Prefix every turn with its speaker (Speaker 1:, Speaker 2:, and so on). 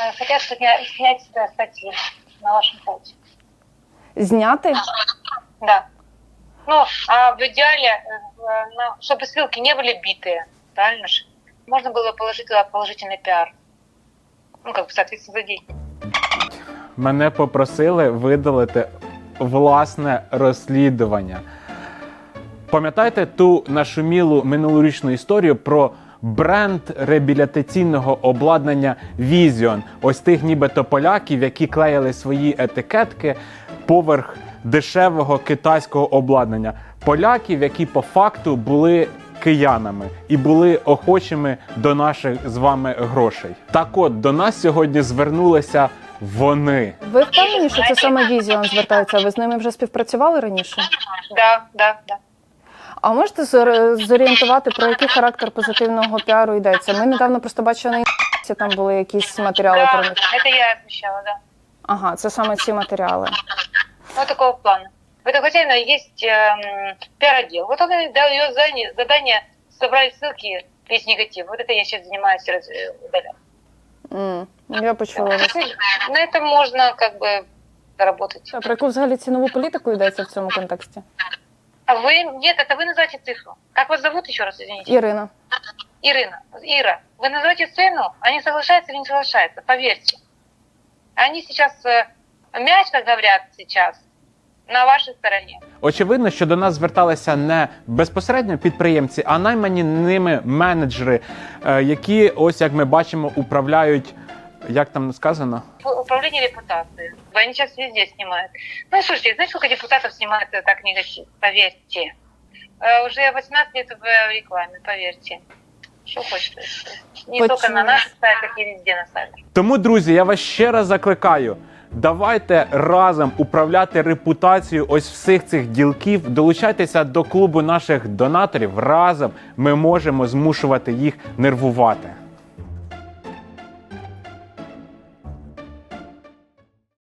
Speaker 1: Хотят снять статьи на вашем сайте.
Speaker 2: Зняти?
Speaker 1: Да. Ну, а в идеале, чтобы ссылки не были битые, правильно же? Можно было положить туда положительный пиар. Ну, как бы, соответственно, за деньги.
Speaker 3: Мене попросили видалити власне розслідування. Пам'ятаєте ту нашумілу минулорічну історію про бренд реабілітаційного обладнання Vision? Ось тих нібито поляків, які клеїли свої етикетки поверх дешевого китайського обладнання. Поляків, які по факту були киянами і були охочими до наших з вами грошей. Так от, до нас сьогодні звернулися вони.
Speaker 2: Ви впевнені, що це саме Vision звертається? Ви з ними вже співпрацювали раніше?
Speaker 1: Да.
Speaker 2: А можете зорієнтувати, про який характер позитивного піару йдеться? Ми недавно просто бачили на інтернеті, там були якісь матеріали про
Speaker 1: Да,
Speaker 2: них.
Speaker 1: это я отвечала, да.
Speaker 2: Ага, це саме ці матеріали.
Speaker 1: Вот такого плана. В этом хозяина есть пиар-отдел. Вот он и дал ее задание собрать ссылки, весь негатив. Вот это я сейчас занимаюсь удалять.
Speaker 2: Я почула вас.
Speaker 1: На этом можно как бы заработать.
Speaker 2: А про яку взагалі цінову політику йдеться в цьому контексті?
Speaker 1: А вы, нет, это вы называете цифру. Как вас зовут еще раз, извините?
Speaker 2: Ірина.
Speaker 1: Ира, вы называете цену, они соглашаются или не соглашаются, поверьте. Они сейчас, мягко говорят сейчас, на вашей стороне.
Speaker 3: Очевидно, що до нас зверталися не безпосередньо підприємці, а наймані ними менеджери, які, ось як ми бачимо, управляють, як там сказано?
Speaker 1: Управление репутацией. Они сейчас везде снимают. Ну и слушайте, знаете, сколько депутатов снимают так негатив? Поверьте. Уже 18 лет в рекламе, поверьте. Что хочется. Не только на наших сайтах, и везде на сайтах.
Speaker 3: Тому, друзі, я вас ще раз закликаю. Давайте разом управляти репутацією ось всіх цих ділків. Долучайтеся до клубу наших донаторів. Разом ми можемо змушувати їх нервувати.